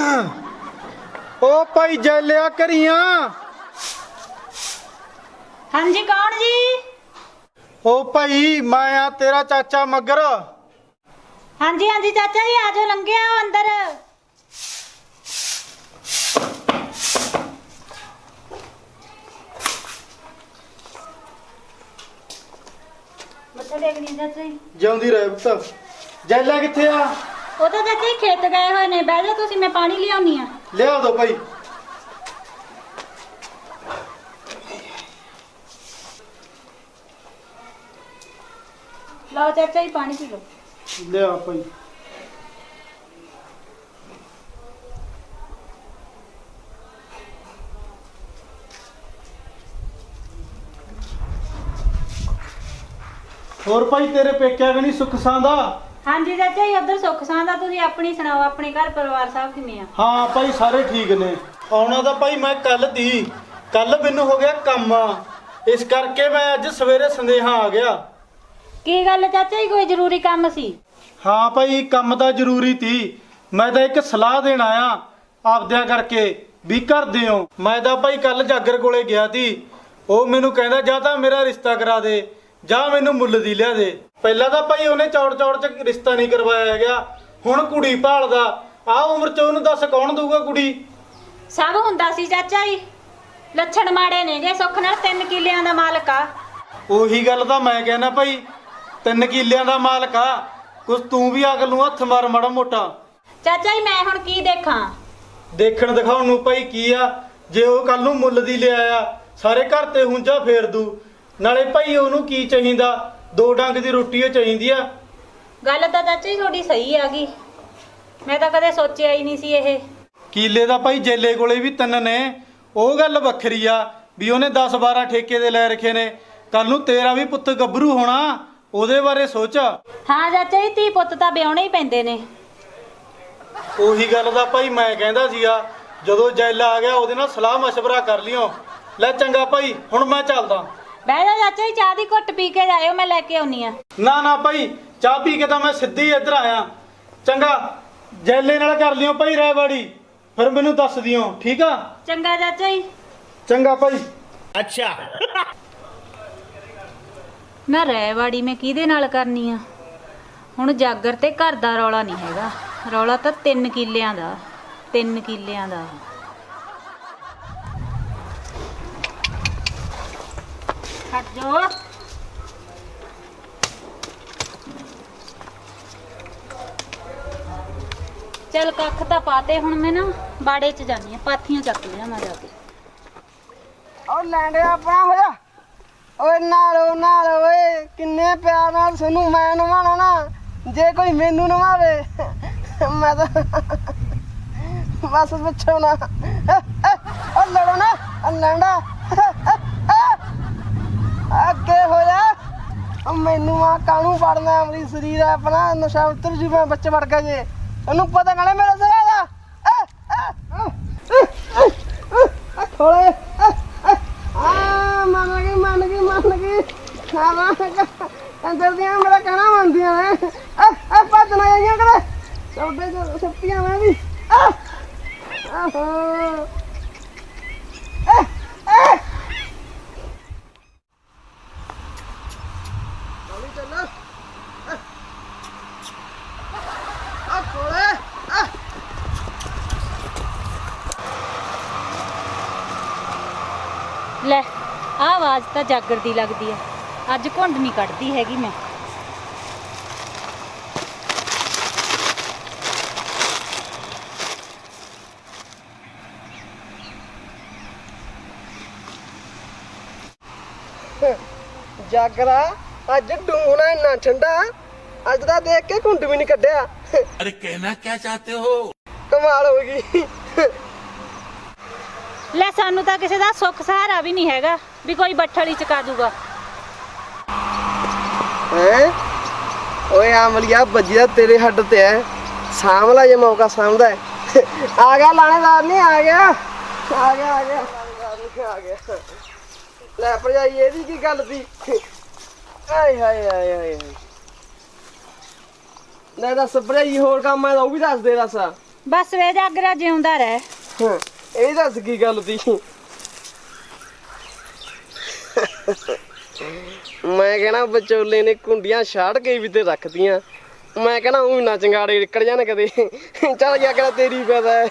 ओ भाई जैलिया करिया। हाँ जी कौन जी? ओ भाई मैं आ तेरा चाचा मगर। हाँ जी चाचा जी आ जाओ, लंघे आओ अंदर। मत्था टेकनी चाचा जी। जिउंदी रहे पुत्त। जैलिया किथे आ? ਉਹ ਤਾਂ ਚਾਚਾ ਜੀ ਖੇਤ ਗਏ ਹੋਏ ਨੇ, ਬਹਿ ਜਾ ਤੁਸੀਂ, ਮੈਂ ਪਾਣੀ ਲਿਆਉਣੀ ਆ। ਲਿਆ ਦੋ ਭਾਈ। ਲਓ ਚਾਚਾ ਜੀ ਪਾਣੀ ਪੀ ਲਓ। ਲਿਆ ਭਾਈ। ਹੋਰ ਭਾਈ ਤੇਰੇ ਪੇਕਿਆਂ ਵੀ ਨਹੀਂ ਸੁੱਖ ਸਾਂਦਾ? हाँ जी चाचा जी उधर सुख सांदा, तुसी अपनी सुनाओ, अपने घर परिवार सब किवें आ? हाँ भाई सारे ठीक ने। आउणा तां भाई मैं कल मैनू हो गया काम, इस करके मैं अज सवेरे संदेहा आ गया। की गल चाचा जी, कोई जरूरी काम सी? हाँ भाई काम तो जरूरी थी। मैं तो एक सलाह देन आया आपद्या करके भी घर दिओ। मैं तो भाई कल जागर कोले गया थी, वो मैनू कहंदा जा तां मेरा रिश्ता करा दे जा मैनू मुੱਲ ਦੀ लिया दे। ਪਹਿਲਾਂ ਤਾਂ ਭਾਈ ਉਹਨੇ ਚੌੜ ਚ ਰਿਸ਼ਤਾ ਨਹੀਂ ਕਰਵਾਇਆ ਗਿਆ, ਹੁਣ ਕੁੜੀ ਭਾਲਦਾ। ਆ ਉਮਰ ਚ ਉਹਨੂੰ ਦੱਸ ਕੌਣ ਦਊਗਾ ਕੁੜੀ? ਸਭ ਹੁੰਦਾ ਸੀ ਚਾਚਾ ਜੀ, ਲੱਛਣ ਮਾੜੇ ਨੇਗੇ। ਸੁੱਖ ਨਾਲ 3 ਕਿੱਲਿਆਂ ਦਾ ਮਾਲਕ ਆ। ਉਹੀ ਗੱਲ ਤਾਂ ਮੈਂ ਕਹਿੰਦਾ ਭਾਈ, 3 ਕਿੱਲਿਆਂ ਦਾ ਮਾਲਕ ਆ। ਕੁਛ ਤੂੰ ਵੀ ਅਕਲ ਨੂੰ ਹੱਥ ਮਾਰ ਮਾੜਾ ਮੋਟਾ। ਚਾਚਾ ਜੀ ਮੈਂ ਹੁਣ ਕੀ ਦੇਖਾਂ? ਦੇਖਣ ਦਿਖਾਉਣ ਨੂੰ ਭਾਈ ਕੀ ਆ, ਜੇ ਉਹ ਕੱਲ ਨੂੰ ਮੁੱਲ ਦੀ ਲਿਆਇਆ ਸਾਰੇ ਘਰ ਤੇ ਹੁੰਜਾ ਫੇਰ ਦੂ। ਨਾਲੇ ਭਾਈ ਉਹਨੂੰ ਕੀ ਚਾਹੀਦਾ, 2 ਡੰਗ ਦੀ ਰੋਟੀ ਉਹ ਚਾਹੀਦੀ ਆ। ਗੱਲ ਤਾਂ ਚਾਚਾ ਜੀ ਤੁਹਾਡੀ ਸਹੀ ਆ ਗਈ, ਮੈਂ ਤਾਂ ਕਦੇ ਸੋਚਿਆ ਹੀ ਨਹੀਂ ਸੀ ਇਹ। ਕੀਲੇ ਦਾ ਭਾਈ ਜੇਲੇ ਕੋਲੇ ਵੀ 3 ਨੇ, ਉਹ ਗੱਲ ਵੱਖਰੀ ਆ ਵੀ ਉਹਨੇ 10-12 ਠੇਕੇ ਦੇ ਲੈ ਰੱਖੇ ਨੇ। ਕੱਲ ਨੂੰ ਤੇਰਾ ਵੀ ਪੁੱਤ ਗੱਭਰੂ ਹੋਣਾ, ਉਹਦੇ ਬਾਰੇ ਸੋਚ। ਹਾਂ ਚਾਚਾ ਜੀ ਧੀ ਪੁੱਤ ਤਾਂ ਵਿਆਹੁਣੇ ਹੀ ਪੈਂਦੇ ਨੇ। ਉਹੀ ਗੱਲ ਦਾ ਭਾਈ ਮੈਂ ਕਹਿੰਦਾ ਸੀਗਾ, ਜਦੋਂ ਜੈਲਾ ਆ ਗਿਆ ਉਹਦੇ ਨਾਲ ਸਲਾਹ ਮਸ਼ਵਰਾ ਕਰ ਲਿਓ। ਲੈ ਚੰਗਾ ਭਾਈ ਹੁਣ ਮੈਂ ਚੱਲਦਾ। ਬਹਿ ਜਾ ਚਾਚਾ ਜੀ, ਚਾਹ ਦੀ ਘੁੱਟ ਪੀ ਕੇ ਜਾਇਓ, ਮੈਂ ਲੈ ਕੇ ਆਉਣੀ ਆ। ਨਾ ਭਾਈ ਚਾਹ ਪੀ ਕੇ ਤਾਂ ਮੈਂ ਸਿੱਧੀ ਇੱਧਰ ਆਇਆ। ਚੰਗਾ ਜੈਲੇ ਨਾਲ ਕਰ ਲਿਓ ਭਾਈ ਰਹਿਵਾੜੀ, ਫਿਰ ਮੈਨੂੰ ਦੱਸ ਦਿਓ ਠੀਕ ਆ? ਚੰਗਾ ਚਾਚਾ ਜੀ। ਚੰਗਾ ਭਾਈ। ਅੱਛਾ ਨਾ ਰਹਿਵਾੜੀ ਮੈਂ ਕਿਹਦੇ ਨਾਲ ਕਰਨੀ ਆ? ਹੁਣ ਜਾਗਰ ਤੇ ਘਰ ਦਾ ਰੌਲਾ ਨਹੀਂ ਹੈਗਾ, ਰੌਲਾ ਤਾਂ 3 ਕਿੱਲਿਆਂ ਦਾ। 3 ਕਿੱਲਿਆਂ ਦਾ ਹਟ ਜੋ। ਚੱਲ ਕੱਖ ਤਾਂ ਪਾਤੇ, ਹੁਣ ਮੈਂ ਨਾ ਬਾੜੇ 'ਚ ਜਾਨੀ ਆ, ਪਾਥੀਆਂ ਚੱਕ ਲਿਆ ਮੈਂ ਜਾ ਕੇ। ਉਹ ਲੈਂਡੇ ਆਪਣਾ ਹੋਇਆ ਓਏ ਨਾਲ ਓਏ, ਕਿੰਨੇ ਪਿਆਰ ਨਾਲ ਸਾਨੂੰ ਮੈਂ ਨਵਾਣਾ ਨਾ, ਜੇ ਕੋਈ ਮੈਨੂੰ ਨਵਾਵੇ ਮੈਂ ਤਾਂ ਬਸ ਪੁੱਛੋ ਨਾ। ਉਹ ਲੜੋ ਨਾ ਲੈਂਡਾ ਅੱਗੇ ਹੋਇਆ। ਉਹ ਮੈਨੂੰ ਆ ਕਾਹਨੂੰ ਪੜਨਾ, ਅਮਰੀ ਸਰੀਰ ਹੈ ਆਪਣਾ, ਨਸ਼ਾ ਉਤਰ ਜੂ ਮੈਂ ਬੱਚੇ ਵੜ ਕੇ ਜੇ ਉਹਨੂੰ ਪਤਾ ਨਾਲੇ ਮੇਰੇ ਸਿਰ ਦਾ ਥੋੜੇ ਮੰਨ ਗਈ ਅੰਦਰ ਦੀਆਂ ਮੇਰਾ ਕਹਿਣਾ ਮੰਨਦੀਆਂ ਨੇ। ਭੱਜ ਨਾ ਜਾਈਆਂ ਕਦੇ ਸੌਦੇ ਸੱਤੀਆਂ ਮੈਂ ਵੀ। ਲੈ ਆਹ ਆਵਾਜ਼ ਤਾਂ ਜਾਗਰ ਦੀ ਲੱਗਦੀ ਆ, ਅੱਜ ਘੁੰਡ ਨਹੀਂ ਕੱਢਦੀ ਹੈਗੀ ਮੈਂ। ਜਾਗਰਾ ਅੱਜ ਡੂਣਾ ਇੰਨਾ ਠੰਡਾ, ਅੱਜ ਦਾ ਦੇਖ ਕੇ ਘੁੰਡ ਵੀ ਨਹੀਂ ਕੱਢਿਆ। अरे कहना क्या चाहते हो? ਕਮਾਲ ਹੋ ਗਈ। ਲੈ ਸਾਨੂੰ ਤਾਂ ਕਿਸੇ ਦਾ ਸੁੱਖ ਸਹਾਰਾ ਵੀ ਨਹੀਂ ਹੈਗਾ ਵੀ ਕੋਈ ਬੱਠਲ ਹੀ ਚਕਾ ਦੂਗਾ। ਹੈ ਓਏ ਆਮਲੀਆ ਵੱਜਿਆ ਤੇਰੇ ਹੱਡ ਤੇ ਐ, ਸਾਂਭ ਲੈ ਜੇ ਮੌਕਾ ਸਾਂਭਦਾ ਹੈ। ਆ ਗਿਆ ਲਾਣੇਦਾਰ ਨਹੀਂ ਆ ਗਿਆ ਲੈ ਭਰਜਾਈ ਇਹਦੀ ਕੀ ਗੱਲ ਸੀ? ਆਏ ਹਾਏ ਲੈ ਦੱਸ ਭਰਜਾਈ, ਹੋਰ ਕੰਮ ਹੈ ਤਾਂ ਉਹ ਵੀ ਦੱਸ ਦੇ। ਦੱਸ ਬਸ ਵੇ ਜਾਗਰਾ ਜਿਉਂਦਾ ਰਹਿ। ਇਹ ਦੱਸ ਕੀ ਗੱਲ ਤੀ? ਮੈਂ ਕਹਿਣਾ ਵਿਚੋਲੇ ਨੇ ਕੁੰਡੀਆਂ ਛਾੜ ਕੇ ਵੀ ਤੇ ਰੱਖਤੀਆਂ। ਮੈਂ ਕਹਿਣਾ ਉਹ ਨਾ ਚੰਗਾੜੇ ਨਿਕਲ ਜਾਣ ਕਦੇ। ਚੱਲ ਗਿਆ ਕਿਹੜਾ ਤੇਰੀ ਪਤਾ ਹੈ।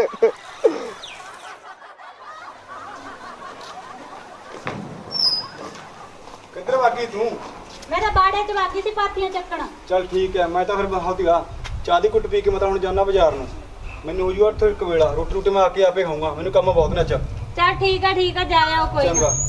ਕਿੱਧਰ ਵਾਗੀ ਤੂੰ? ਮੈਂ ਤਾਂ ਬਾੜੇ 'ਚ ਵਾਗੀ ਸੀ ਪਾਥੀਆਂ ਚੱਕਣ। ਚੱਲ ਠੀਕ ਹੈ, ਮੈਂ ਤਾਂ ਫਿਰ ਬਹੁਤ ਹੀਗਾ ਚਾਹ ਦੀ ਕੁੱਟ ਪੀ ਕੇ ਮੈਂ ਤਾਂ ਹੁਣ ਜਾਣਾ ਬਾਜ਼ਾਰ ਨੂੰ। ਮੈਨੂੰ ਹੋ ਜੂਗਾ ਇੱਥੇ ਇੱਕ ਵੇਲਾ, ਰੋਟੀ ਰੋਟੀ ਮੈਂ ਆ ਕੇ ਆਪੇ ਖਾਊਂਗਾ, ਮੈਨੂੰ ਕੰਮ ਬਹੁਤ ਨੇ ਅੱਜ। ਚੱਲ ਠੀਕ ਆ ਜਾ ਆਓ ਕੋਈ ਨਾ। ਚੰਗਾ।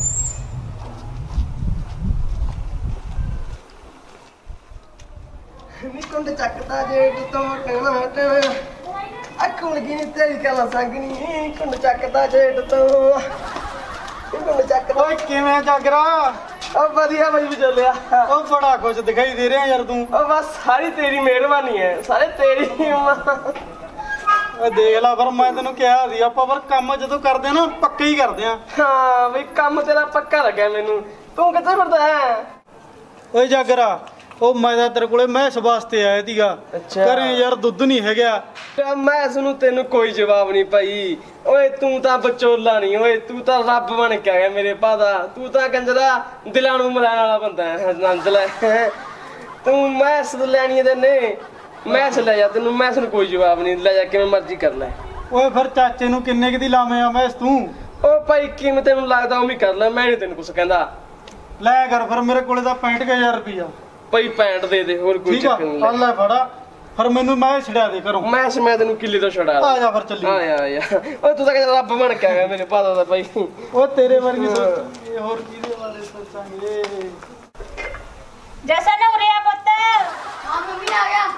ਨੀ ਕੁੰਡ ਚੱਕਦਾ ਜੇਠ ਤੋਂ ਕਹਿਣਾ ਹਟਣਾ। ਅੱਖੋਂ ਲੱਗੀ ਨੀ ਤੇਰੀ ਕਲਾ ਸੰਗਣੀ। ਕੁੰਡ ਚੱਕਦਾ ਜੇਠ ਤੋਂ। ਕੁੰਡ ਚੱਕਦਾ। ਓਏ ਕਿਵੇਂ ਜਾਗਰਾ? ਉਹ ਵਧੀਆ ਬਾਈ ਵਿਚੋਲਿਆ। ਉਹ ਬੜਾ ਖੁਸ਼ ਦਿਖਾਈ ਦੇ ਰਿਹਾ ਯਾਰ ਤੂੰ। ਉਹ ਬਸ ਸਾਰੀ ਤੇਰੀ ਮਿਹਰਬਾਨੀ ਹੈ, ਸਾਰੇ ਤੇਰੀ ਹਿੰਮਤ। ਓਏ ਦੇਖ ਲੈ, ਫਿਰ ਮੈਂ ਤੈਨੂੰ ਕਿਹਾ ਸੀ ਆਪਾਂ ਪਰ ਕੰਮ ਜਦੋਂ ਕਰਦੇ ਆ ਨਾ ਪੱਕੇ ਹੀ ਕਰਦੇ ਆ। ਹਾਂ ਬਈ ਕੰਮ ਤੇਰਾ ਪੱਕਾ ਲੱਗਿਆ ਮੈਨੂੰ। ਤੂੰ ਕਿੱਥੇ ਫਿਰਦਾ ਹੈ? ਓਏ ਜਾਗਰਾ, ਉਹ ਮੈਂ ਤਾਂ ਤੇਰੇ ਕੋਲੇ ਮੈਸ ਵਾਸਤੇ ਆਇਆ ਸੀਗਾ। ਅੱਛਾ। ਘਰੇ ਯਾਰ ਦੁੱਧ ਨਹੀਂ ਹੈਗਾ। ਮੈਂ ਸੁਣੂ ਤੈਨੂੰ ਕੋਈ ਜਵਾਬ ਨਹੀਂ ਭਾਈ। ਓਏ ਤੂੰ ਤਾਂ ਵਿਚੋਲਾ ਨਹੀਂ, ਓਏ ਤੂੰ ਤਾਂ ਰੱਬ ਬਣ ਕੇ ਆਇਆ ਮੇਰੇ ਪਾਦਾ। ਤੂੰ ਤਾਂ ਕੰਜਰਾ ਦਿਲਾਂ ਨੂੰ ਮਿਲਾਉਣ ਵਾਲਾ ਬੰਦਾ ਹੈ। ਆਨੰਦ ਲੈ। ਤੂੰ ਮੈਸ ਲੈਣੀ ਤੇ ਨੇ ਮੈਸ ਲੈ ਜਾ, ਤੈਨੂੰ ਮੈਸ ਨੂੰ ਕੋਈ ਜਵਾਬ ਨਹੀਂ। ਲੈ ਜਾ ਕਿਵੇਂ ਮਰਜ਼ੀ ਕਰ ਲੈ। ਓਏ ਫਿਰ ਚਾਚੇ ਨੂੰ ਕਿੰਨੇ ਕੁ ਦੀ ਲਾਵੇਂ ਆ ਮੈਸ ਤੂੰ? ਓ ਭਾਈ ਕਿਵੇਂ ਤੈਨੂੰ ਲੱਗਦਾ ਉਵੇਂ ਕਰ ਲੈ, ਮੈਂ ਨਹੀਂ ਤੈਨੂੰ ਕੁਛ ਕਹਿੰਦਾ। ਲੈ ਕਰ ਫਿਰ, ਮੇਰੇ ਕੋਲੇ ਤਾਂ 65000 ਰੁਪਈਆ। ਭਾਈ ਪੈਂਟ ਦੇ ਦੇ, ਹੋਰ ਕੋਈ ਠੀਕ ਆ, ਚੱਕਰ ਨਹੀਂ। ਆ ਲੈ ਫੜਾ, ਫਿਰ ਮੈਨੂੰ ਮੈਂ ਛੜਿਆ ਦੇ ਘਰੋਂ। ਮੈਂ ਤੈਨੂੰ ਕਿੱਲੇ ਤੋਂ ਛੁਡਾ ਆ ਜਾ ਫਿਰ ਚੱਲੀ। ਆ ਓਏ ਤੂੰ ਤਾਂ ਕਹਿੰਦਾ ਰੱਬ ਬਣ ਕੇ ਆਇਆ ਮੇਰੇ ਪਾਦਾ ਦਾ ਭਾਈ। ਉਹ ਤੇਰੇ ਵਰਗੀ ਸੋਚਾਂਗੇ, ਹੋਰ ਕਿਹਦੇ ਬਾਰੇ ਸੋਚਾਂਗੇ? ਜੈਸਾ ਨਾ ਉਰੇ ਆ ਪੁੱਤ। ਹਾਂ ਮੰਮੀ ਆ ਗਿਆ।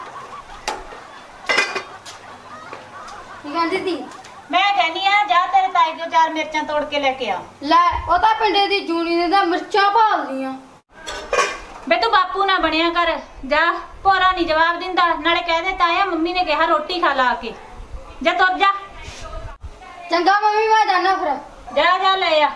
ਕੀ ਕਹਿੰਦੀ ਤੀ? ਮੈਂ ਕਹਿੰਦੀ ਆ ਜਾ ਤੇਰੇ ਤਾਈ ਕੋਲ 4 ਮਿਰਚਾਂ ਤੋੜ ਕੇ ਲੈ ਕੇ ਆ। ਲੈ ਉਹ ਤਾਂ ਪਿੰਡੇ ਦੀ ਜੂਨੀ ਨੇ ਤਾਂ ਮਿਰਚਾਂ ਭਾਲਦੀਆਂ। ਬੇ ਤੂੰ ਬਾਪੂ ਨਾ ਬਣਿਆ ਕਰ। ਜਾ, ਭੋਰਾ ਨਹੀਂ ਜਵਾਬ ਦਿੰਦਾ। ਨਾਲੇ ਕਹਿ ਦੇ ਤਾਇਆ ਮੰਮੀ ਨੇ ਕਿਹਾ ਰੋਟੀ ਖਾ ਲਾ ਕੇ। ਜਾ ਤੁਰ ਜਾ। ਚੰਗਾ ਮੰਮੀ ਮੈਂ ਜਾਣਾ ਫਿਰ। ਜਾ ਲੈ ਆ।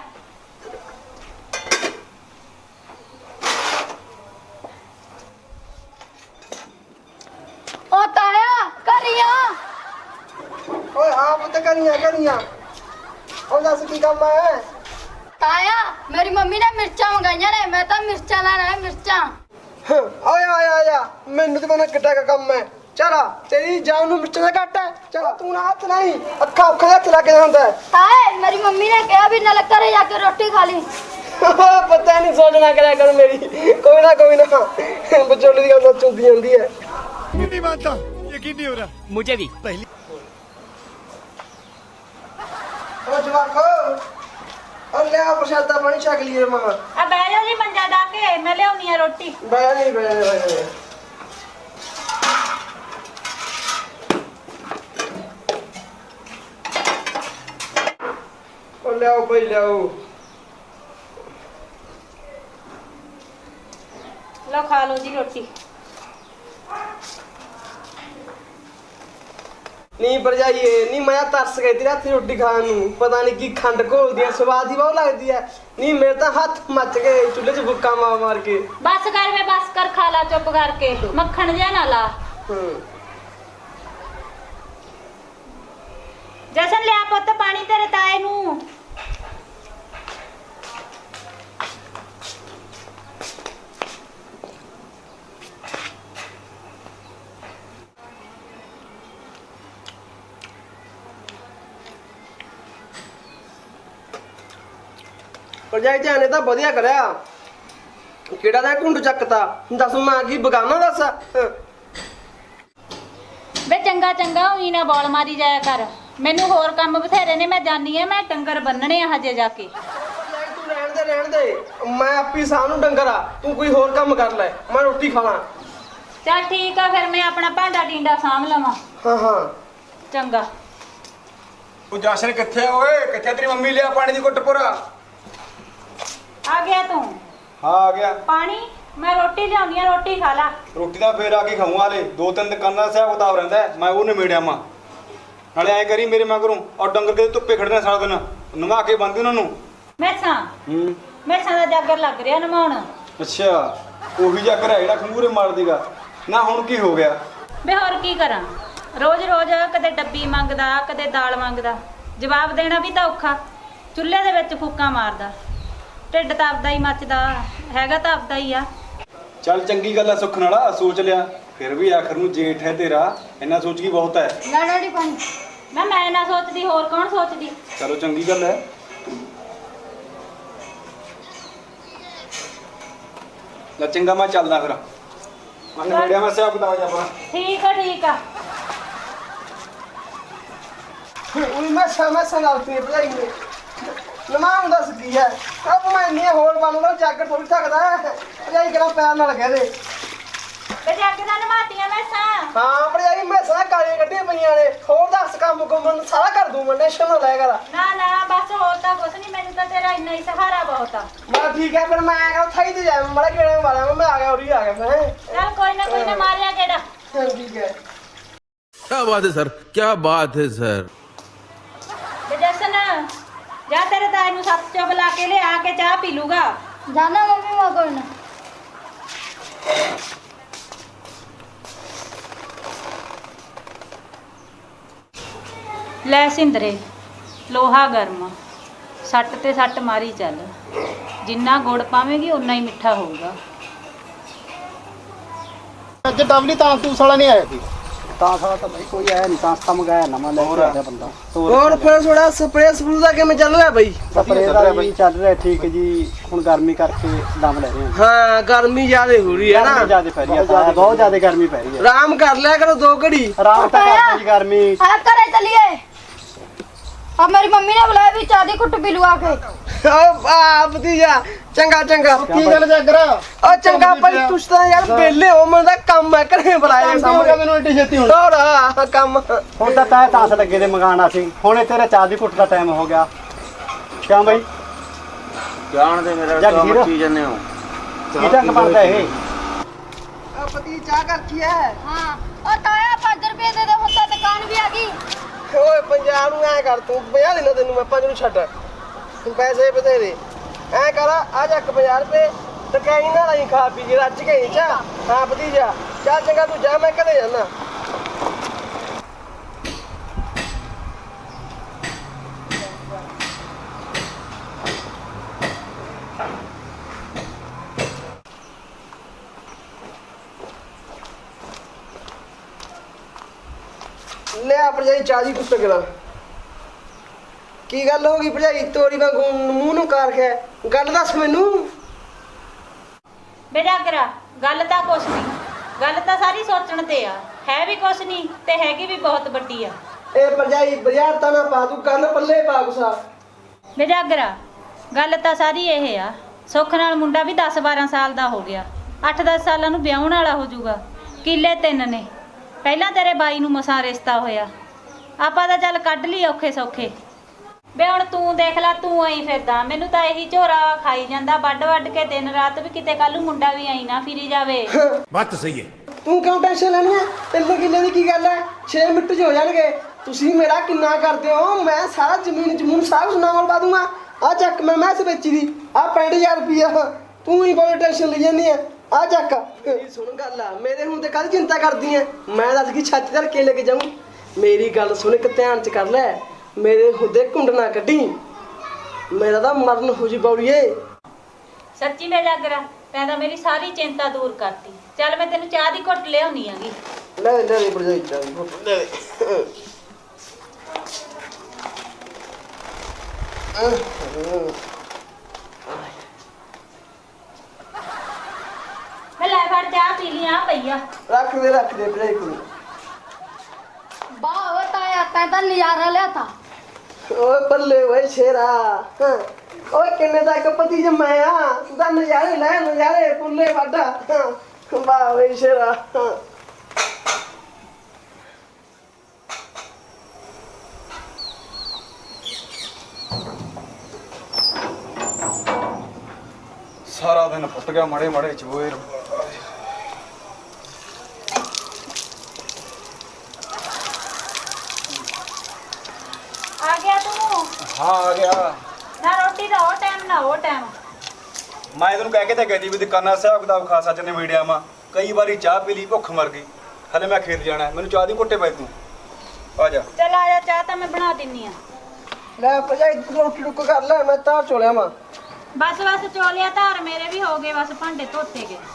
ਉਹ ਤਾਇਆ ਕਰੀਆਂ। ਓਏ ਹਾਂ ਪੁੱਤ ਕਰੀਆਂ। ਉਹ ਦੱਸ ਕੀ ਕੰਮ ਹੈ? ਤਾਇਆ ਮੇਰੀ ਮੰਮੀ ਨੇ ਮਿਰਚਾਂ ਮੰਗਾਈਆਂ ਨੇ, ਮੈਂ ਤਾਂ ਮਿਰਚਾਂ ਲੈਣਾ ਹੈ। ਮਿਰਚਾਂ ਆਇਆ ਮੈਨੂੰ ਤੇ ਮਨਾ ਕਿੱਡਾ ਕੰਮ ਹੈ। ਚਲਾ ਤੇਰੀ ਜਾਨ ਨੂੰ ਮਿਰਚਾਂ ਦਾ ਘੱਟ ਹੈ। ਚਲ ਤੂੰ ਨਾ ਹੱਥ ਨਹੀਂ, ਅੱਖਾਂ ਹੱਥ ਲੱਗ ਜਾਂਦਾ ਹੈ। ਤਾਏ ਮੇਰੀ ਮੰਮੀ ਨੇ ਕਿਹਾ ਵੀ ਨਾਲ ਘਰੇ ਜਾ ਕੇ ਰੋਟੀ ਖਾ ਲਈ। ਪਤਾ ਨਹੀਂ ਸੋਚਣਾ ਕਰਿਆ ਕਰ ਮੇਰੀ। ਕੋਈ ਨਾ ਵਿਚੋਲੇ ਦੀ ਗੱਲ ਚੁੰਦੀ ਜਾਂਦੀ ਹੈ। नहीं मानता, यकीन नहीं हो रहा मुझे भी पहली। ਓ ਜਵਾਖੋ ਉਹ ਲਿਆ ਪ੍ਰਸ਼ਾਦਾ ਪਾਣੀ ਛਕ ਲਈਏ ਮਾਂ। ਆ ਬਹਿ ਜਾ ਜੀ ਮੰਜਾ ਡਾ ਕੇ, ਮੈਂ ਲਿਆਉਣੀ ਆ ਰੋਟੀ। ਬੈ ਨਹੀਂ ਉਹ ਲਿਆਓ ਭਾਈ ਲਿਆਓ। ਲਓ ਖਾ ਲਓ ਜੀ ਰੋਟੀ। ਨਹੀਂ ਭਰਜਾਈਏ ਨਹੀਂ, ਮੈਂ ਤਰਸ ਗਈ ਤੇਰੇ ਹੱਥ ਰੋਟੀ ਖਾਣ ਨੂੰ। ਪਤਾ ਨਹੀਂ ਕੀ ਖੰਡ ਘੋਲਦੀ ਆ, ਸਵਾਦ ਹੀ ਬਹੁਤ ਲੱਗਦੀ ਆ। ਨਹੀਂ ਮੇਰੇ ਤਾਂ ਹੱਥ ਮੱਚ ਗਏ ਚੁੱਲ੍ਹੇ 'ਚ ਬੁੱਕਾ ਮਾਰ ਕੇ। ਬਸ ਕਰ ਵੇ ਬਸ ਕਰ, ਖਾ ਲਾ ਚੁੱਪ ਕਰਕੇ। ਮੱਖਣ ਜਿਹਾ ਨਾ ਲਾ। ਜਸਨ ਲਿਆ ਪੁੱਤ ਪਾਣੀ ਤੇਰੇ ਤਾਏ ਨੂੰ। ਭਰਜਾਈ ਧਿਆਨੇ ਤਾਂ ਵਧੀਆ ਕਰਿਆ। ਕਿਹੜਾ ਦਾ ਘੁੰਡ ਚੱਕਤਾ? ਦੱਸ ਮੈਂ ਕੀ ਬਗਾਨਾ ਦੱਸ। ਵੇ ਚੰਗਾ ਉਹੀ ਨਾ ਬੋਲ ਮਾਰੀ ਜਾਇਆ ਕਰ। ਮੈਨੂੰ ਹੋਰ ਕੰਮ ਬਥੇਰੇ ਨੇ, ਮੈਂ ਜਾਨੀ ਆ। ਮੈਂ ਡੰਗਰ ਬੰਨਣੇ ਆ ਹਜੇ ਜਾ ਕੇ। ਤੂੰ ਰਹਿਣ ਦੇ ਮੈਂ ਆਪੀ ਸਾਹ ਨੂੰ ਡੰਗਰ ਆ। ਤੂੰ ਕੋਈ ਹੋਰ ਕੰਮ ਕਰ ਲੈ, ਮੈਂ ਰੋਟੀ ਖਾਣਾ। ਚੱਲ ਠੀਕ ਆ ਫਿਰ, ਮੈਂ ਆਪਣਾ ਭਾਂਡਾ ਟੀਂਡਾ ਸਾਂਭ ਲਵਾਂ। ਹਾਂ ਚੰਗਾ। ਉਹ ਜਸ਼ਨ ਕਿੱਥੇ ਓਏ? ਕਿੱਥੇ ਤੇਰੀ ਮੰਮੀ? ਲਿਆ ਪਾਣੀ ਦੀ ਘੁੱਟ ਪੁਰਾ। ਆ ਗਿਆ ਤੂੰ? ਹਾਂ ਆ ਗਿਆ। ਪਾਣੀ ਮੈਂ ਰੋਟੀ ਲਿਆਉਣੀ ਆ, ਰੋਟੀ ਖਾ ਲਾ। ਰੋਟੀ ਦਾ ਫੇਰ ਆ ਕੇ ਖਾਊਂ। ਹਾਲੇ 2-3 ਦੁਕਾਨਾਂ ਦਾ ਹਿਸਾਬ ਕਿਤਾਬ ਰਹਿੰਦਾ ਹੈ, ਮੈਂ ਉਹ ਨਿਬੇੜਿਆ ਮਾਂ। ਨਾਲੇ ਐਂ ਕਰੀ ਮੇਰੇ ਮਗਰੋਂ ਔਰ ਡੰਗਰ ਕੇ ਧੁੱਪੇ ਖੜਨਾ ਸਾਰਾ ਦਿਨ, ਨਵਾ ਕੇ ਬੰਦੀ ਉਹਨਾਂ ਨੂੰ। ਮੈਸਾਂ ਦਾ ਜਾਗਰ ਲੱਗ ਰਿਹਾ ਨਮਾਉਣ। ਅੱਛਾ ਉਹੀ ਜਾਗਰ ਹੈ ਜਿਹੜਾ ਖੰਗੂਰੇ ਮਾਰ ਦੇਗਾ ਨਾ। ਹੁਣ ਕੀ ਹੋ ਗਿਆ? ਵੇ ਹੋਰ ਕੀ ਕਰਾਂ? ਰੋਜ਼-ਰੋਜ਼ ਕਦੇ ਡੱਬੀ ਮੰਗਦਾ, ਕਦੇ ਦਾਲ ਮੰਗਦਾ। ਜਵਾਬ ਦੇਣਾ ਵੀ ਤਾਂ ਔਖਾ, ਚੁੱਲ੍ਹੇ ਦੇ ਵਿੱਚ ਫੂਕਾਂ ਮਾਰਦਾ। ਢਿੱਡ ਤਾਂ ਆਪਦਾ ਹੀ ਮੱਚਦਾ, ਹੈਗਾ ਤਾਂ ਆਪਦਾ ਹੀ ਆ। ਚੱਲ ਚੰਗੀ ਗੱਲ ਆ, ਸੁੱਖ ਨਾਲ ਸੋਚ ਲਿਆ। ਫਿਰ ਵੀ ਆਖਰ ਨੂੰ ਜੇਠ ਹੈ ਤੇਰਾ, ਇੰਨਾ ਸੋਚ ਕੀ ਬਹੁਤ ਹੈ। ਲੈ ਡੈਡੀ ਪਾਣੀ। ਮੈਂ ਨਾ ਸੋਚਦੀ, ਹੋਰ ਕੌਣ ਸੋਚਦੀ? ਚਲੋ ਚੰਗੀ ਗੱਲ ਹੈ। ਲੈ ਚੰਗਾ ਮੈਂ ਚੱਲਦਾ ਫਿਰ। ਮੈਂ ਨੇੜਿਆ ਮੈਂ ਹਿਸਾਬ ਕਿਤਾਬ ਜਾ ਪਾ। ਠੀਕ ਆ ਠੀਕ ਆ। ਉਹੀ ਮੈਂ ਲਾਉਤੀ ਭਜਾਈ ਨੇ ਨਮਾਂ ਦੱਸ ਕੀ ਹੈ। ਅਬ ਮੈਂ ਇੰਨੀ ਹੋਰ ਬਣ ਲਓ ਜੱਗ ਥੋੜੀ ਸਕਦਾ ਭਜਾਈ ਕਿਹੜਾ ਪੈਰ ਨਾਲ ਕਹਦੇ ਤੇ ਜੱਗ ਦਾ ਨਮਾਤੀਆਂ ਮੈਸਾਂ। ਹਾਂ ਭਜਾਈ ਮੈਸਾਂ ਕਾਲੀਆਂ ਕੱਢੀਆਂ ਪਈਆਂ ਨੇ। ਹੋਰ ਦੱਸ ਕੰਮ ਕੁੰਮਣ ਸਾਰਾ ਕਰ ਦੂੰ ਮੈਂ, ਟੈਨਸ਼ਨ ਨਾ ਲੈ ਕਰ। ਨਾ ਬਸ ਹੋਰ ਤਾਂ ਕੁਛ ਨਹੀਂ, ਮੈਨੂੰ ਤਾਂ ਤੇਰਾ ਇੰਨਾ ਹੀ ਸਹਾਰਾ ਬਹੁਤ ਆ। ਮੈਂ ਠੀਕ ਹੈ ਫਿਰ ਮੈਂ ਆਇਆ ਥਾਈ ਤੇ ਜਾ ਮੜਾ ਕਿਹੜਾ ਮਾਰਿਆ ਮੈਂ ਆ ਗਿਆ ਉਰੀ ਆ ਗਿਆ ਮੈਂ। ਚੱਲ ਕੋਈ ਨਾ ਮਾਰਿਆ ਕਿਹੜਾ। ਚਲ ਠੀਕ ਹੈ। क्या बात है सर, क्या बात है सर। ਤੇ ਜਸਨ ਜਾ ਤੇਰੇ ਤਾਏ ਨੂੰ ਸੱਤ ਚੁੱਪ ਲਾ ਕੇ ਲਿਆ ਕੇ ਚਾਹ ਪੀ ਲੂਗਾ। ਜਾਣਾ ਮੰਮੀ ਮੈਂ ਕੋਈ ਨਾ। ਲੈ ਸਿੰਦਰੇ, ਲੋਹਾ ਗਰਮ, ਸੱਟ ਤੇ ਸੱਟ ਮਾਰੀ ਚੱਲ। ਜਿੰਨਾ ਗੁੜ ਪਾਵੇਂਗੀ ਉਨਾ ਹੀ ਮਿੱਠਾ ਹੋਊਗਾ। ਅੱਜ ਡਬਲੀ ਤਾਂ ਤੂੰ ਸਾਲਾ ਨਹੀਂ ਆਇਆ ਸੀ। ਤਾਂ ਸਾਲਾ ਤਾਂ ਬਈ ਕੋਈ ਆਇਆ ਨਹੀਂ, ਤਾਂ ਕੰਮ ਗਾਇਆ ਨਵਾਂ ਲੈ ਕੇ ਆਇਆ ਬੰਦਾ। ਹੋਰ ਫਿਰ ਥੋੜਾ ਸਪਰੇਅ ਸਪਰੂ ਦਾ ਕਿਵੇਂ ਚੱਲ ਰਿਹਾ ਬਈ? ਸਪਰੇਅ ਦਾ ਵੀ ਚੱਲ ਰਿਹਾ ਠੀਕ ਜੀ। ਹੁਣ ਗਰਮੀ ਕਰਕੇ ਦਮ ਲੈ ਰਹੇ ਹਾਂ। ਹਾਂ ਗਰਮੀ ਜ਼ਿਆਦਾ ਹੋ ਰਹੀ ਹੈ ਨਾ। ਗਰਮੀ ਜ਼ਿਆਦਾ ਪੈ ਰਹੀ ਹੈ, ਬਹੁਤ ਜ਼ਿਆਦਾ ਗਰਮੀ ਪੈ ਰਹੀ ਹੈ। ਆਰਾਮ ਕਰ ਲਿਆ ਕਰੋ 2 ਘੜੀ। ਆਰਾਮ ਤਾਂ ਕਰਦੇ ਜੀ ਗਰਮੀ। ਆ ਘਰੇ ਚਲੀਏ। अब मेरी मम्मी ने बुलाया भी चाय दी कुट पी लू आके। ਆ ਭਤੀਜਾ ਚੰਗਾ ਕੀ ਗੱਲ ਜਾਗਰਾ? ਓ ਚੰਗਾ ਭਾਈ ਤੁਸੀਂ ਤਾਂ ਯਾਰ ਵਿਹਲੇ ਹੋ, ਮੈਨੂੰ ਤਾਂ ਕੰਮ ਹੈ ਘਰੇ ਬੁਲਾਇਆ ਸਾਹਮਣੇ। ਮੈਨੂੰ ਏਡੀ ਛੇਤੀ ਹੁਣ ਹੋਰ ਕੰਮ ਹੁਣ ਤਾਂ ਤੈ ਤਾਂਸ ਲੱਗੇ ਦੇ ਮੰਗਾਣਾ ਸੀ। ਹੁਣੇ ਤੇਰੇ ਚਾਹ ਦੀ ਘੁੱਟ ਦਾ ਟਾਈਮ ਹੋ ਗਿਆ। ਕਿਉਂ ਬਈ ਜਾਣ ਦੇ ਮੇਰਾ ਜੱਗ ਕੰਮ ਜੀਰੋ। ਕੀ ਜੰਨੇ ਹੋ। ਕੀ ਢੰਗ ਬਣਦਾ ਇਹ? ਆ ਪਤੀ ਚਾਹ ਕਰਖੀ ਹੈ। हाँ और ताया 5 रुपए दे दे, ਹੁਣ ਤਾਂ ਦੁਕਾਨ ਵੀ ਆ ਗਈ। ਓਏ ਪੰਜਾਬ ਨੂੰ ਐ ਕਰ ਤੂੰ 50 ਦੇਣਾ ਤੈਨੂੰ ਮੈਂ 5 ਨੂੰ ਛੱਡ। ਤੂੰ ਪੈਸੇ ਬਥੇਰੇ ਐ ਕਰ ਆ ਜਾ 50 ਰੁਪਏ ਤੇ ਕਹੀਂ ਨਾ ਲਈ ਖਾ ਪੀ ਕੇ ਰੱਜ ਗਈ ਚਾ। ਹਾਂ ਭਤੀਜਾ ਚੱਲ ਚੰਗਾ ਤੂੰ ਜਾ ਮੈਂ ਘਰੇ ਜਾਣਾ। ਲੈ ਭਰਜਾਈ ਚਾਹ ਦੀ ਕੁੱਟ ਕਰਾ। ਕੀ ਗੱਲ ਹੋ ਗਈ ਭਰਜਾਈ? ਤੋਰੀ ਵਾਂਗੂ ਮੂੰਹ ਨੂੰ ਕਾਰ ਕੇ ਗੱਲ ਦੱਸ ਮੈਨੂੰ। ਬੇਜਾਗਰਾ, ਗੱਲ ਤਾਂ ਕੁਛ ਨਹੀਂ, ਗੱਲ ਤਾਂ ਸਾਰੀ ਸੋਚਣ ਤੇ ਆ। ਹੈ ਵੀ ਕੁਛ ਨਹੀਂ ਤੇ ਹੈਗੀ ਵੀ ਬਹੁਤ ਵੱਡੀ ਆ। ਇਹ ਭਰਜਾਈ ਬਾਜ਼ਾਰ ਤਾਂ ਨਾ ਪਾ ਤੂੰ ਗੱਲ ਪੱਲੇ ਪਾ ਗੁਸਾ। ਬੇਜਾਗਰਾ, ਗੱਲ ਤਾਂ ਸਾਰੀ ਇਹ ਆ, ਸੁੱਖ ਨਾਲ ਮੁੰਡਾ ਵੀ 10-12 ਸਾਲ ਦਾ ਹੋ ਗਿਆ। 8-10 ਸਾਲਾਂ ਨੂੰ ਵਿਆਹੁਣ ਵਾਲਾ ਹੋ ਜਾਊਗਾ। ਕਿੱਲੇ 3 ਨੇ। ਪਹਿਲਾਂ ਤੇਰੇ ਬਾਈ ਨੂੰ ਮਸਾਂ ਰਿਸ਼ਤਾ ਹੋਇਆ। ਆਪਾਂ ਤਾਂ ਚੱਲ ਕੱਢ ਲਈ ਔਖੇ ਸੌਖੇ। ਬੇ ਹੁਣ ਤੂੰ ਦੇਖ ਲੈ, ਤੂੰ ਆਈ ਫਿਰਦਾ। ਮੈਨੂੰ ਤਾਂ ਇਹੀ ਝੋਰਾ ਖਾਈ ਜਾਂਦਾ ਵੱਢ ਕੇ ਦਿਨ ਰਾਤ, ਵੀ ਕਿਤੇ ਕੱਲ ਨੂੰ ਮੁੰਡਾ ਵੀ ਆਈ ਨਾ ਫਿਰੀ ਜਾਵੇ। बात तो सही है। ਤੂੰ ਕਿਉਂ ਟੈਨਸ਼ਨ ਲੈਣੀ ਹੈ? 3 ਕਿੱਲੇ ਦੀ ਕੀ ਗੱਲ ਹੈ? 6 ਮਿੰਟ 'ਚ ਹੋ ਜਾਣਗੇ। ਤੁਸੀਂ ਮੇਰਾ ਕਿੰਨਾ ਕਰਦੇ ਹੋ? ਮੈਂ ਸਾਰਾ ਜ਼ਮੀਨ ਸਾਰਾ ਸੁਣਾ ਕੋਲ ਪਾ ਦੂੰਗਾ। ਆ ਚੱਕ ਮੈਂ ਮੈਸ ਵੇਚੀ ਦੀ ਆ 65,000 ਰੁਪਇਆ। ਤੂੰ ਹੀ ਬਹੁਤ ਟੈਨਸ਼ਨ ਲਈ ਜਾਂਦੀ ਹੈ। ਆ ਚੱਕ ਮੇਰੀ ਸੁਣ ਗੱਲ ਆ। ਮੇਰੇ ਹੁਣ ਤੇ ਕਾਹਦੀ ਚਿੰਤਾ ਕਰਦੀ ਐ? ਮੈਂ ਦੱਸ ਕੀ ਛੱਤ ਧਰ ਕੇ ਲੈ ਕੇ ਜਾਊਂ? ਮੇਰੀ ਗੱਲ ਸੁਣ ਇੱਕ ਧਿਆਨ ਚ ਕਰ ਲੈ। ਮੇਰੇ ਹੁਦੇ ਘੁੰਡ ਨਾ ਕੱਢੀ, ਮੇਰਾ ਤਾਂ ਮਰਨ ਹੋ ਜੀ ਬੌੜੀਏ। ਸੱਚੀ ਬੇਜਾਗਰਾ, ਤੈਂ ਤਾਂ ਮੇਰੀ ਸਾਰੀ ਚਿੰਤਾ ਦੂਰ ਕਰਤੀ। ਚੱਲ ਮੈਂ ਤੈਨੂੰ ਚਾਹ ਦੀ ਘੁੱਟ ਲਿਆਉਣੀ ਆਂਗੀ। ਲੈ ਲੈ ਭਰਜਾਈ ਚਾਹ ਦੀ ਘੁੱਟ ਲੈ। ਮੈਂ ਲੈ ਫੜ ਚਾਹ ਪੀ ਲਈ ਆ ਪਈਆ। ਰੱਖ ਦੇ ਭਰਜਾਈ ਕੋਲ। वाह ओ ताया तैं ਤਾਂ ਨਜ਼ਾਰਾ ਲਿਆ ਤਾ। ਓਏ ਬੱਲੇ ਓਏ ਸ਼ੇਰਾ। ਓਏ ਕਿੰਨੇ ਤੱਕ ਪਤੀ ਜਮਾਇਆ ਤੂੰ ਤਾਂ ਨਜ਼ਾਰੇ ਲੈ ਨਜ਼ਾਰੇ ਪੁੱਲੇ ਵਾਡਾ। ਵਾਹ ਓਏ ਸ਼ੇਰਾ। ਸਾਰਾ ਦਿਨ ਫੁੱਟ ਗਿਆ ਮੜੇ ਮੜੇ ਚੋਏ। ਆ ਗਿਆ ਤੂੰ? ਹਾਂ ਆ ਗਿਆ। ਨਾ ਰੋਟੀ ਦਾ ਉਹ ਟਾਈਮ ਨਾ ਉਹ ਟਾਈਮ। ਮੈਂ ਤੈਨੂੰ ਕਹਿ ਕੇ ਤਾਂ ਗਈ ਵੀ ਦੁਕਾਨਾਂ ਹਿਸਾਬ ਕਿਤਾਬ ਖਾਸਾ ਚ ਨੇ ਮੀਡੀਆ ਮਾ। ਕਈ ਵਾਰੀ ਚਾਹ ਪੀ ਲਈ ਭੁੱਖ ਮਰ ਗਈ। ਹਲੇ ਮੈਂ ਖੇਤ ਜਾਣਾ, ਮੈਨੂੰ ਚਾਹ ਦੀ ਘੁੱਟੇ ਪੈ ਤੂੰ। ਆ ਜਾ ਚੱਲ ਆ ਜਾ, ਚਾਹ ਤਾਂ ਮੈਂ ਬਣਾ ਦਿੰਨੀ ਆ। ਲੈ ਭਰਜਾਈ ਤੂੰ ਰੋਟੀ ਟੁੱਕ ਕਰ ਲੈ, ਮੈਂ ਤਾਂ ਚੋਲਿਆ ਮਾਂ। ਬਸ ਚੋਲਿਆ ਧਾਰ ਮੇਰੇ ਵੀ ਹੋ ਗਏ, ਬਸ ਭਾਂਡੇ ਧੋਤੇ ਗਏ।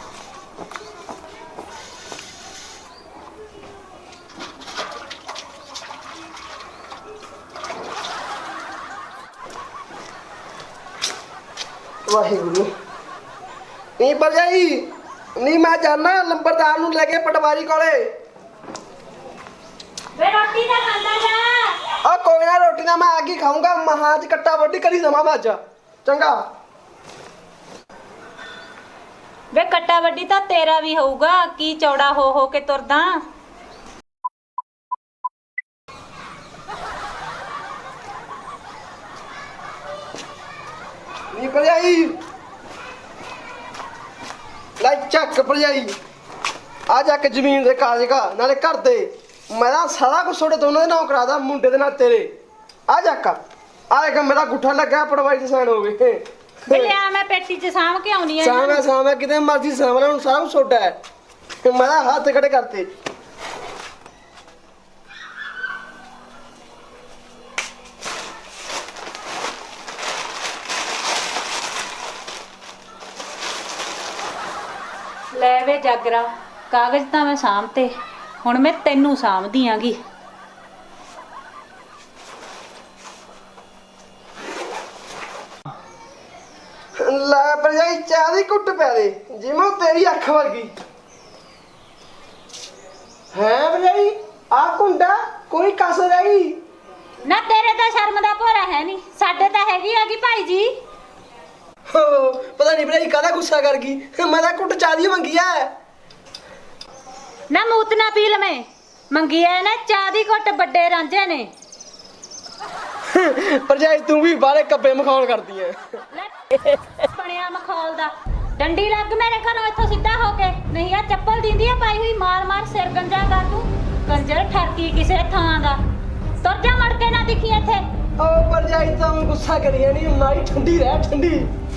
ਵਾਹਿਗੁਰੂ। ਨਹੀਂ ਭਰਜਾਈ, ਨਹੀਂ ਮੈਂ ਜਾਣਾ ਲੰਬਰਦਾਰ ਨੂੰ ਲੈ ਕੇ ਪਟਵਾਰੀ ਕੋਲੇ। ਵੇ ਰੋਟੀ ਤਾਂ ਖਾਂਦਾ ਜਾ। ਆ ਕੋਈ ਨਾ, ਰੋਟੀ ਨਾ ਮੈਂ ਆ ਕੇ ਖਾਊਂਗਾ। ਮਹਾਂ ਚ ਕੱਟਾ ਵੱਡੀ ਕਰੀ ਦਵਾਂ ਮੈਂ ਅੱਜ। ਚੰਗਾ। ਵੇ ਕੱਟਾ ਵੱਡੀ ਤਾਂ ਤੇਰਾ ਵੀ ਹੋਊਗਾ, ਕੀ ਚੌੜਾ ਹੋ ਕੇ ਤੁਰਦਾ। ਨਹੀਂ ਭਰਜਾਈ, ਲੈ ਚੱਕ ਭਰਜਾਈ, ਆ ਜਾ ਕੇ ਜ਼ਮੀਨ ਦੇ ਕਾਗਜ਼ ਕਾ ਨਾਲੇ ਘਰ ਦੇ। ਮੈਂ ਤਾਂ ਸਾਰਾ ਕੁਝ ਤੁਹਾਡੇ ਦੋਨਾਂ ਦੇ ਨਾਮ ਕਰਾਦਾ, ਮੁੰਡੇ ਦੇ ਨਾਲ ਤੇਰੇ। ਆ ਚੱਕ, ਆ ਇੱਕ ਮੇਰਾ ਗੁੱਠਾ ਲੱਗਾ ਪਟਵਾਰੀ ਦੇ ਸਾਈਨ ਹੋ ਗਏ। ਵੇ ਲਿਆ, ਮੈਂ ਪੇਟੀ 'ਚ ਸਾਂਭ ਕੇ ਆਉਣੀ ਆ। ਸਾਵੇਂ ਕਿਤੇ ਮਰਜ਼ੀ ਸਾਂਭ ਲੈ, ਹੁਣ ਸਾਰਾ ਕੁਝ ਛੋਟਾ ਹੈ। ਮੈਂ ਤਾਂ ਹੱਥ ਖੜੇ ਕਰਤੇ। ਲੈ ਵੇ ਜਾਗਰਾ, ਕਾਗਜ਼ ਤਾਂ ਮੈਂ ਸਾਂਭਤੇ, ਹੁਣ ਮੈਂ ਤੈਨੂੰ ਸਾਂਭਦੀ ਆਂਗੀ। ਲੈ ਭਰਜਾਈ, ਚਾਹ ਦੀ ਘੁੱਟ ਪੈ ਦੇ, ਜਿਵੇਂ ਉਹ ਤੇਰੀ ਅੱਖ ਵਰਗੀ ਹੈ। ਭਰਜਾਈ ਆ ਕੁੰਡਾ ਕੋਈ ਕਸਰ ਰਹੀ ਨਾ ਤੇਰੇ ਤਾਂ ਸ਼ਰਮ ਦਾ ਭੋਰਾ ਹੈ ਨਹੀਂ, ਸਾਡੇ ਤਾਂ ਹੈਗੀ ਆਗੀ ਭਾਈ ਜੀ। ਪਤਾ ਨਹੀਂ ਭਰਜਾਈ ਕਾਹਦਾ ਗੁੱਸਾ ਕਰ ਗਈ। ਮੈਂ ਤਾਂ ਘੁੱਟ ਚਾਹ ਦੀ ਮੰਗੀ ਐ। ਨਾ ਮੂਤ ਨਾ ਪੀ ਲਵੇਂ, ਮੰਗੀ ਐ ਨਾ ਚਾਹ ਦੀ ਘੁੱਟ ਵੱਡੇ ਰਾਂਝੇ ਨੇ। ਭਰਜਾਈ ਤੂੰ ਵੀ ਬਾਹਲੇ ਕੱਬੇ ਮਖੌਲ ਕਰਦੀ ਐ। ਬਣਿਆ ਮਖੌਲ ਦਾ, ਡੰਡੀ ਲੱਗ ਮੇਰੇ ਘਰੋਂ ਇੱਥੋਂ ਸਿੱਧਾ ਹੋ ਕੇ, ਨਹੀਂ ਆ ਚੱਪਲ ਦਿੰਦੀ ਆ ਪਾਈ ਹੋਈ, ਮਾਰ ਮਾਰ ਸਿਰ ਗੰਜਾ ਕਰ ਤੂੰ। ਕੰਜਰ ਠਰਕੀ ਕਿਸੇ ਥਾਂ ਦਾ, ਤੁਰ ਜਾ ਮੜ ਕੇ ਨਾ ਦਿਖੀ ਇੱਥੇ। ਓ ਭਰਜਾਈ ਤਾਂ ਗੁੱਸਾ ਕਰੀ ਜਾਨੀ, ਮਾਰੀ ਠੰਡੀ ਰਹਿ ਠੰਡੀ।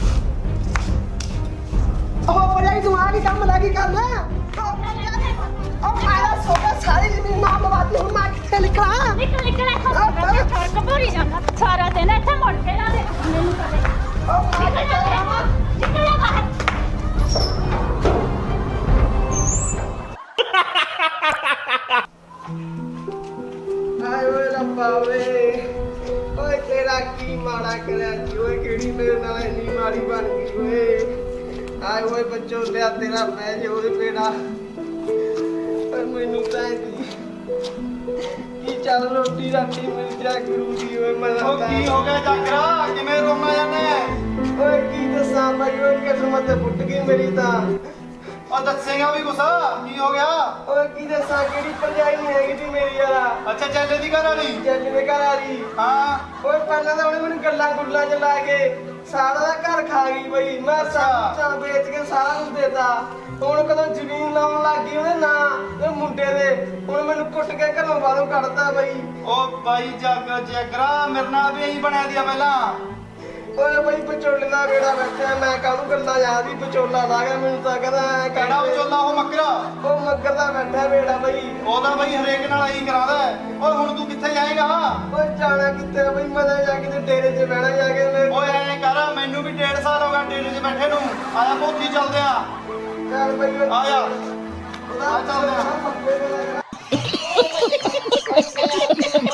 ਓ ਭਰਜਾਈ ਤੂੰ ਆ ਕੀ ਕੰਮ ਲੱਗੀ ਕਰਨਾ। ਓ ਮਾਰਾ ਸੋਗਾ ਸਾਰੀ ਜ਼ਮੀਨ ਮਾਂ ਬਵਾਤੀ, ਹੁਣ ਮੈਂ ਕਿੱਥੇ ਲਿਖਾਂ। ਨਿਕਲ ਇੱਥੋਂ, ਕਪੂਰੀ ਜਾਂਦਾ ਸਾਰਾ ਦਿਨ ਇੱਥੇ ਮੁੜ ਕੇ ਨਾ ਦੇ ਮੈਨੂੰ ਕਦੇ। ਨਿਕਲ ਜਾ ਬਾਹਰ। ਹਾਏ ਓਏ ਰੱਬਾ ਓਏ, ਓਏ ਤੇਰਾ ਕੀ ਮਾੜਾ ਕਰਿਆ ਜੀ ਓਏ, ਕਿਹੜੀ ਮੇਰੇ ਨਾਲ ਇੰਨੀ ਮਾੜੀ ਬਣ ਗਈ ਓਏ। ਹਾਏ ਓਏ ਬੱਚੋ ਲਿਆ ਤੇਰਾ ਮੈਂ ਜੇ ਓਏ ਬੇੜਾ, ਪਰ ਮੈਨੂੰ ਤਾਂ ਕੀ ਚੱਲ ਰੋਟੀ ਰਾਤੀ ਮਿਲ ਜਾ ਕਰੂਗੀ ਓਏ। ਮੈਂ ਉਹ ਕੀ ਹੋ ਗਿਆ ਜਾਗਰਾ, ਕਿਵੇਂ ਰੋਣਾ ਜਾਨੇ? ਓਏ ਕੀ ਦੱਸਾਂ ਬਾਈ, ਓਏ ਕਿਸਮਤ ਫੁੱਟ ਗਈ ਮੇਰੀ ਤਾਂ। ਉਹ ਦੱਸੇਗਾ ਵੀ ਕੁਛ, ਕੀ ਹੋ ਗਿਆ? ਓਏ ਕੀ ਦੱਸਾਂ, ਕਿਹੜੀ ਭਰਜਾਈ ਨਹੀਂ ਹੈਗੀ ਤੀ ਮੇਰੀ ਯਾਰਾ। ਅੱਛਾ ਚੱਲੇ ਦੀ ਘਰ ਵਾਲੀ? ਜੱਜ ਦੇ ਘਰ ਆ ਰਹੀ। ਹਾਂ। ਓਏ ਪਹਿਲਾਂ ਤਾਂ ਉਹਨੇ ਮੈਨੂੰ ਗੱਲਾਂ ਗੁੱਲਾਂ ਚ ਲਾ ਕੇ ਸਾਰਾ ਦਾ ਘਰ ਖਾ ਗਈ ਬਈ। ਮੈਂ ਸਾਰਾ ਵੇਚ ਕੇ ਸਾਰਾ ਕੁਝ ਦੇਤਾ। ਹੁਣ ਕਦੋਂ ਜ਼ਮੀਨ ਲਾਉਣ ਲੱਗ ਗਈ ਉਹਦੇ ਨਾਂ ਤੇ ਮੁੰਡੇ ਦੇ, ਹੁਣ ਮੈਨੂੰ ਕੁੱਟ ਕੇ ਘਰੋਂ ਬਾਹਰੋਂ ਕੱਢਤਾ ਬਈ। ਉਹ ਬਾਈ ਜਾਗਰਾ ਮੇਰੇ ਨਾਲ ਵੀ ਇਹੀ ਬਣਿਆ ਦਿਆ ਪਹਿਲਾਂ। ਓਏ ਬਈ ਵਿਚੋਲੇ ਦਾ ਵੇੜਾ ਬੈਠਾ, ਮੈਂ ਕਾਹਨੂੰ ਗੱਲਾਂ ਯਾਦ ਹੀ ਵਿਚੋਲਾ ਲਾ ਗਿਆ ਮੈਨੂੰ ਤਾਂ ਕਹਿੰਦਾ। ਕਿਹੜਾ ਵਿਚੋਲਾ? ਉਹ ਮੱਕਰਾ। ਉਹ ਮੱਗਰ ਦਾ ਬੈਠਾ ਵੇੜਾ ਬਈ। ਉਹਦਾ ਬਈ ਹਰੇਕ ਨਾਲ ਇਹੀ ਕਰਾਂਦਾ। ਓਏ ਹੁਣ ਤੂੰ ਕਿੱਥੇ ਜਾਏਗਾ? ਓਏ ਜਾਣਾ ਕਿੱਥੇ ਬਈ, ਮੈਂ ਤਾਂ ਜਾ ਕੇ ਡੇਰੇ 'ਚ ਬਹਿਣਾ ਜਾ ਕੇ। ਓਏ ਐਂ ਕਰ, ਮੈਨੂੰ ਵੀ 1.5 ਸਾਲ ਹੋ ਗਿਆ ਡੇਰੇ 'ਚ ਬੈਠੇ ਨੂੰ। ਆਇਆ ਪੋਥੀ ਚੱਲਦੇ ਆ। ਚੱਲ ਬਈ ਆ ਜਾ। ਉਹਦਾ ਚੱਲਦੇ ਆ।